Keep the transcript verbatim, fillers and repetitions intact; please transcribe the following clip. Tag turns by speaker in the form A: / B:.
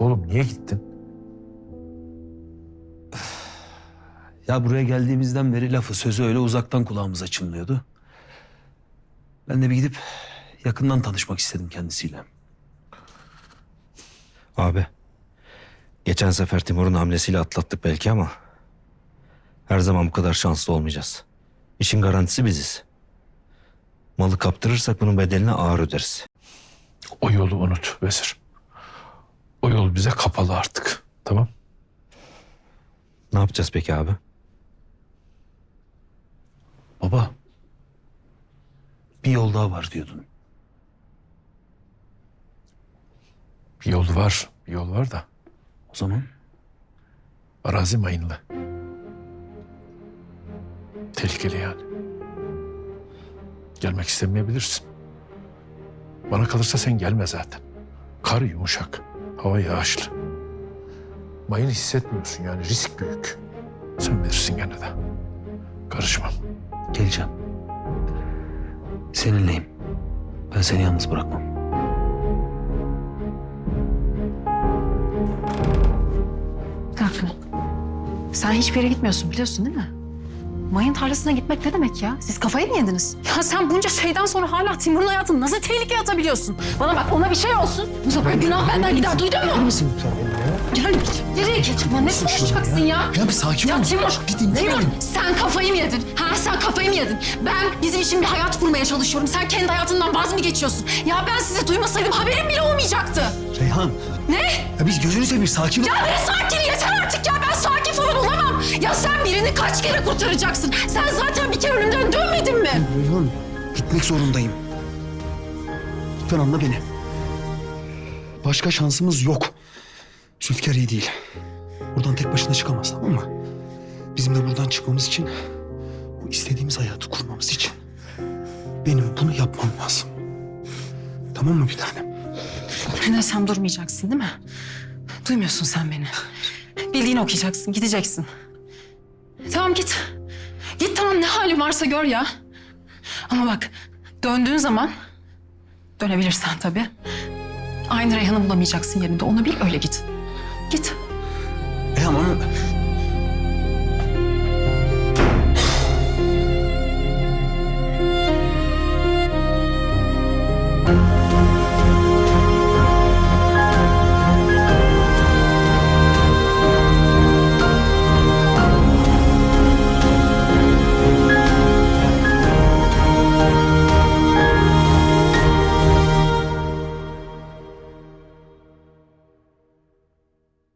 A: Oğlum niye gittin?
B: Ya buraya geldiğimizden beri lafı sözü öyle uzaktan kulağımıza çınlıyordu. Ben de bir gidip yakından tanışmak istedim kendisiyle.
C: Abi, geçen sefer Timur'un hamlesiyle atlattık belki ama her zaman bu kadar şanslı olmayacağız. İşin garantisi biziz. Malı kaptırırsak bunun bedelini ağır öderiz.
A: O yolu unut Vezir. O yol bize kapalı artık. Tamam?
C: Ne yapacağız peki abi?
B: Baba, bir yol daha var diyordun.
A: Bir yol var. Bir yol var da.
B: O zaman
A: Arazi mayınlı. Tehlikeli yani. Gelmek istemeyebilirsin. Bana kalırsa sen gelme zaten. Kar yumuşak. Hava yağışlı. Mayın hissetmiyorsun yani. Risk büyük. Sen bilirsin gene de. Karışmam.
B: geleceğim. Seninleyim. Ben seni yalnız bırakmam.
D: Kanka, sen hiçbir yere gitmiyorsun biliyorsun değil mi? Mayın tarlasına gitmek ne demek ya? Siz kafayı mı yediniz? Ya sen bunca şeyden sonra hala Timur'un hayatını nasıl tehlikeye atabiliyorsun? Bana bak, ona bir şey olsun. Bu sefer günah benden gider, duydun mu?
E: Misin sen benimle ya?
D: Gel, nereye gideceksin? Ne konuşacaksın ya?
E: Ya bir sakin ol.
D: Ya Timur,
E: Bir dinle
D: Timur
E: beni.
D: sen kafayı mı yedin? Ha sen kafayı mı yedin? Ben bizim için bir hayat kurmaya çalışıyorum. Sen kendi hayatından vaz mı geçiyorsun? Ya ben sizi duymasaydım haberim bile olmayacaktı.
E: Reyhan.
D: Ne?
E: Ya biz gözünü seveyim sakin ol.
D: Ya ben sakin yeter artık ya. Ben sakin falan olamam. Ya sen birini kaç kere kurtaracaksın? Sen zaten bir kere ölümden dönmedin mi?
E: Reyhan gitmek zorundayım. Lütfen anla beni. Başka şansımız yok. Zülfikar iyi değil. Buradan tek başına çıkamaz, tamam mı? Bizim de buradan çıkmamız için, bu istediğimiz hayatı kurmamız için benim bunu yapmam lazım. Tamam mı bir tanem?
D: Ne desem durmayacaksın değil mi? Duymuyorsun sen beni. Bildiğini okuyacaksın, gideceksin. Tamam git. Git tamam, ne halin varsa gör ya. Ama bak, döndüğün zaman, dönebilirsen tabii, aynı Reyhan'ı bulamayacaksın yerinde. Onu bil, öyle git. Git.
E: Reyhan ama